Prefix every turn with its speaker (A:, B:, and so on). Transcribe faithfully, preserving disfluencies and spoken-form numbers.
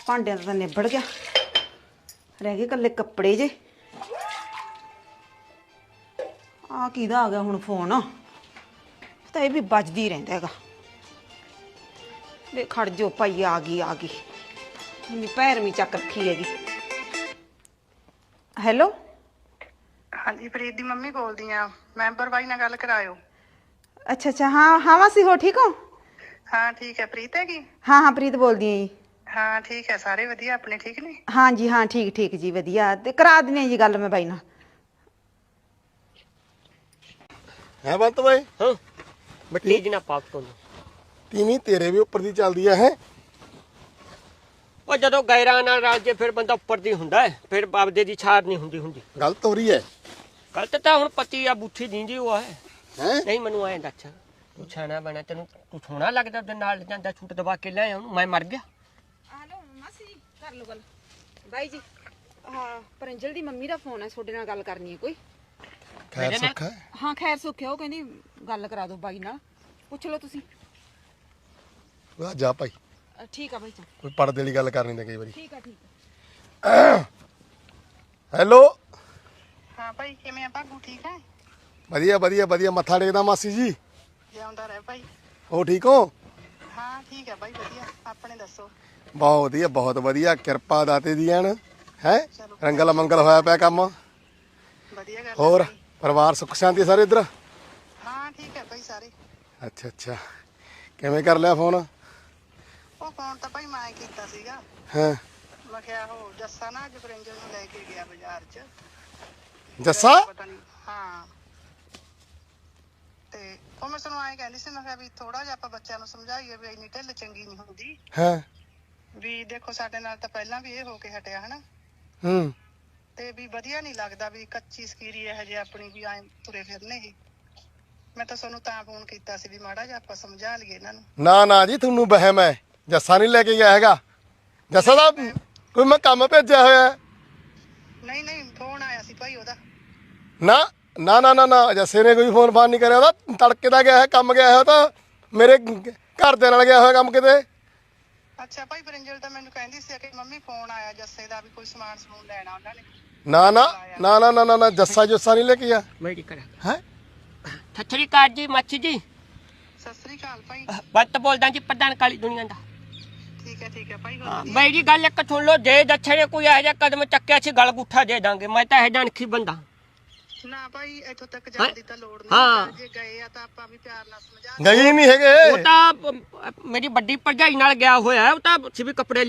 A: ਭਾਂਡਿਆਂ ਦਾ ਤਾਂ ਨਿਬੜ ਗਿਆ, ਰਹਿ ਗਏ ਇਕੱਲੇ ਕੱਪੜੇ ਜੇ। ਆ ਕਿਹਦਾ ਆ ਗਿਆ ਹੁਣ ਫੋਨ? ਤਾਂ ਇਹ ਵੀ ਵੱਜਦੀ ਰਹਿੰਦਾ ਹੈਗਾ। ਵੇ ਖੜ ਜੋ ਭਾਈ, ਆ ਗਈ ਆ ਗਈ, ਇੰਨੀ ਭੈਰਵੀਂ ਚੱਕ ਰੱਖੀ ਹੈਗੀ। ਹੈਲੋ,
B: ਹਾਂਜੀ ਪ੍ਰੀਤ ਦੀ ਮੰਮੀ ਬੋਲਦੀ ਆ। ਮੈਂਬਰ ਬਾਈ ਨਾਲ ਗੱਲ ਕਰਾਇਓ।
A: ਅੱਛਾ ਅੱਛਾ, ਹਾਂ ਹਾਂ ਮਾਸੀ ਹੋ ਠੀਕ ਹੋ?
B: ਹਾਂ ਠੀਕ ਹੈ। ਪ੍ਰੀਤ ਹੈਗੀ?
A: ਹਾਂ ਹਾਂ ਪ੍ਰੀਤ ਬੋਲਦੀ ਹਾਂ ਜੀ।
B: ਹਾਂ ਠੀਕ ਹੈ, ਸਾਰੇ ਵਧੀਆ ਆਪਣੇ ਠੀਕ ਨੇ?
A: ਹਾਂ ਜੀ ਹਾਂ, ਠੀਕ ਠੀਕ ਜੀ, ਵਧੀਆ। ਤੇ ਕਰਾ ਦਿੰਦੇ ਜੀ ਗੱਲ ਮੈਂ ਬਾਈ ਨਾਲ।
C: ਹੈ ਬੰਤ ਬਾਈ?
D: ਹਾਂ ਮਿੱਟੀ ਜੀ ਨਾ ਪਾਪ ਤੋਂ
C: ਤੀਵੀਂ ਤੇਰੇ ਵੀ ਉੱਪਰ ਦੀ ਚੱਲਦੀ ਆ ਹੈ।
D: ਉਹ ਜਦੋਂ ਗੈਰਾਂ ਨਾਲ ਰਲ ਜੇ ਫਿਰ ਬੰਦਾ ਉੱਪਰ ਦੀ ਹੁੰਦਾ ਹੈ, ਫਿਰ ਬਾਬਦੇ ਦੀ ਛਾੜ ਨਹੀਂ ਹੁੰਦੀ ਹੁੰਦੀ।
C: ਗਲਤ ਹੋ ਰਹੀ ਹੈ।
D: ਗਲਤ ਤਾਂ ਹੁਣ ਪਤੀ ਆ ਬੂਥੀ ਦਿੰਦੀ ਉਹ ਹੈ।
C: ਹੈ
D: ਨਹੀਂ ਮੈਨੂੰ ਐਂ ਦੱਸ, ਤੂੰ ਛਾਣਾ ਬਣਾ, ਤੈਨੂੰ ਤੂੰ ਸੋਹਣਾ ਲੱਗਦਾ ਉਹਦੇ ਨਾਲ ਜਾਂਦਾ ਛੂਟ ਦਬਾ ਕੇ ਲੈ ਉਹਨੂੰ, ਮੈਂ ਮਰ ਗਿਆ।
A: ਹੈਲੋ ਮਾਸੀ ਜੀ, ਕਰ ਲਓ ਗੱਲ। ਬਾਈ ਜੀ, ਹਾਂ ਪਰੰਜਲ ਦੀ ਮੰਮੀ ਦਾ ਫੋਨ ਹੈ, ਤੁਹਾਡੇ ਨਾਲ ਗੱਲ ਕਰਨੀ ਹੈ ਕੋਈ।
C: ਖੈਰ ਸੁੱਖ ਹੈ?
A: ਹਾਂ ਖੈਰ ਸੁੱਖ ਹੈ, ਉਹ ਕਹਿੰਦੀ ਗੱਲ ਕਰਾ ਦਿਓ ਬਾਈ ਨਾਲ, ਪੁੱਛ ਲਓ ਤੁਸੀਂ।
C: ਆ ਜਾ ਭਾਈ,
A: ਅ, ਠੀਕ ਆ ਬਾਈ ਜੀ।
C: ਕੋਈ ਪਰਦੇ ਵਾਲੀ ਗੱਲ ਕਰਨੀ ਤਾਂ ਕਈ ਵਾਰੀ।
A: ਠੀਕ ਆ ਠੀਕ ਆ।
C: ਹੈਲੋ।
B: ਹਾਂ ਭਾਈ ਕਿਵੇਂ ਆ ਭਾਗੂ? ਠੀਕ ਹੈ?
C: ਵਧੀਆ ਵਧੀਆ ਵਧੀਆ, ਮੱਥਾ ਟੇਕਦਾ ਮਾਸੀ ਜੀ।
B: ਜਿਉਂਦਾ ਰਹਿ ਭਾਈ।
C: ਹੋ ਠੀਕ ਹੋ?
B: ਹਾਂ ਠੀਕ ਹੈ ਭਾਈ, ਵਧੀਆ। ਆਪਣੇ ਦੱਸੋ?
C: ਬਹੁਤ ਵਧੀਆ ਬਹੁਤ ਵਧੀਆ, ਕਿਰਪਾ ਦਾਤੇ ਦੀ ਐਨ ਹੈ। ਰੰਗਲ ਮੰਗਲ ਹੋਇਆ ਪਿਆ ਕੰਮ।
B: ਵਧੀਆ ਗੱਲ।
C: ਹੋਰ ਪਰਿਵਾਰ ਸੁੱਖ ਸ਼ਾਂਤੀ ਸਾਰੇ ਇੱਧਰ?
B: ਹਾਂ ਠੀਕ ਹੈ ਭਾਈ ਸਾਰੇ।
C: ਅੱਛਾ ਅੱਛਾ, ਕਿਵੇਂ ਕਰ ਲਿਆ ਫੋਨ?
B: ਉਹ ਫੋਨ ਤਾਂ ਭਾਈ ਮੈਂ ਕੀਤਾ ਸੀਗਾ।
C: ਹਾਂ
B: ਮੈਂ ਕਿਹਾ ਉਹ ਜੱਸਾ ਨਾ ਅੱਜ ਪ੍ਰਿੰਜਲ ਨੂੰ ਲੈ ਕੇ ਗਿਆ ਬਾਜ਼ਾਰ 'ਚ।
C: ਜੱਸਾ?
B: ਪਤਾ ਨਹੀਂ। ਹਾਂ ਤੇ ਉਹ ਮੈਂ ਤੁਹਾਨੂੰ ਐਂ ਕਹਿੰਦੀ ਸੀ, ਮੈਂ ਕਿਹਾ ਵੀ ਥੋੜਾ ਜਿਹਾ ਆਪਾਂ ਬੱਚਿਆਂ ਨੂੰ ਸਮਝਾਈਏ ਵੀ ਇੰਨੀ ਢਿੱਲ ਚੰਗੀ ਨਹੀਂ ਹੁੰਦੀ।
C: ਹਾਂ
B: ਵੀ ਦੇਖੋ ਸਾਡੇ ਨਾਲ ਤਾਂ ਪਹਿਲਾਂ ਵੀ ਇਹ ਹੋ ਕੇ ਹਟਿਆ ਹਨਾ,
C: ਹੂੰ
B: ਤੇ ਵੀ ਵਧੀਆ ਨਹੀਂ ਲੱਗਦਾ ਵੀ ਕੱਚੀ ਸਕੀਰੀ ਇਹ ਜੇ ਆਪਣੀ ਵੀ ਐਂ ਤੁਰੇ ਫਿਰਨੇ ਹੀ। ਮੈਂ ਤਾਂ ਤੁਹਾਨੂੰ ਤਾਂ ਫੋਨ ਕੀਤਾ ਸੀ ਵੀ ਮਾੜਾ ਜਿਹਾ ਆਪਾਂ ਸਮਝਾ ਲਈਏ ਇਹਨਾਂ ਨੂੰ।
C: ਨਾ ਨਾ ਜੀ, ਤੁਹਾਨੂੰ ਵਹਿਮ ਹੈ। ਜੱਸਾ ਨਹੀਂ ਲੈ ਕੇ ਗਿਆ ਹੈਗਾ। ਜੱਸਾ ਦਾ ਕੋਈ ਮੈਂ ਕੰਮ ਭੇਜਿਆ ਹੋਇਆ ਹੈ।
B: ਨਹੀਂ ਨਹੀਂ ਫੋਨ ਆਇਆ ਸੀ ਭਾਈ ਉਹਦਾ।
C: ਨਾ ਨਾ ਨਾ ਨਾ ਨਾ, ਜੱਸੇ ਨੇ ਕੋਈ ਫੋਨ ਫਾਨ ਨਹੀਂ ਕਰਿਆ। ਉਹਦਾ ਤੜਕੇ ਦਾ ਗਿਆ ਹੈ, ਕੰਮ ਗਿਆ ਹੋਇਆ ਤਾਂ ਮੇਰੇ ਘਰ ਦੇ ਨਾਲ ਗਿਆ ਹੋਇਆ ਕੰਮ ਕਿਤੇ।
B: ਅੱਛਾ ਭਾਈ, ਪ੍ਰਿੰਜਲ ਤਾਂ ਮੈਨੂੰ ਕਹਿੰਦੀ ਸੀ ਕਿ ਮੰਮੀ ਫੋਨ ਆਇਆ ਜੱਸੇ ਦਾ ਵੀ ਕੋਈ ਸਮਾਨ ਸਮੂਨ ਲੈਣਾ ਉਹਨਾਂ ਨੇ।
C: ਨਾ ਨਾ ਨਾ ਨਾ ਨਾ ਨਾ ਨਾ, ਜੱਸਾ ਜੁੱਸਾ ਨਹੀਂ ਲੈ ਕੇ ਗਿਆ
D: ਮੇਰੀ ਕਰਾ
C: ਹੈ।
D: ਸੱਚੀ ਕਾਰ ਜੀ ਮੱਛੀ ਜੀ।
B: ਸਤਿ ਸ੍ਰੀ ਅਕਾਲ ਭਾਈ।
D: ਬੱਤ ਬੋਲਦਾ ਜੀ, ਪ੍ਰਧਾਨ ਕਾਲੀ ਦੁਨੀਆ ਦਾ।
B: ਠੀਕ ਹੈ ਠੀਕ ਹੈ ਭਾਈ।
D: ਹਾਂ ਬਾਈ ਜੀ, ਗੱਲ ਇੱਕ ਸੁਣ ਲਓ, ਜੇ ਦੱਛੇ ਨੇ ਕੋਈ ਇਹੋ ਜਿਹਾ ਕਦਮ ਚੱਕਿਆ ਸੀ ਗਲ ਗੁੱਠਾ ਦੇ ਦਾਂਗੇ। ਮੈਂ ਤਾਂ ਇਹ ਜਾਣਖੀ ਬੰਦਾ
B: ਨਾ ਭਾਈ, ਇੱਥੋਂ ਤੱਕ ਜਾਣ ਦੀ ਤਾਂ ਲੋੜ
D: ਹਾਂ।
B: ਨਹੀਂ। ਜੇ ਗਏ ਆ ਤਾਂ ਆਪਾਂ ਵੀ ਪਿਆਰ ਨਾਲ ਸਮਝਾ।
C: ਗਏ ਨਹੀਂ ਹੈਗੇ।
D: ਉਹ ਤਾਂ ਅਮ, ਮੇਰੀ ਵੱਡੀ ਭਰਜਾਈ ਨਾਲ ਗਿਆ ਹੋਇਆ, ਉਹ ਤਾਂ ਸੀ ਵੀ ਕੱਪੜੇ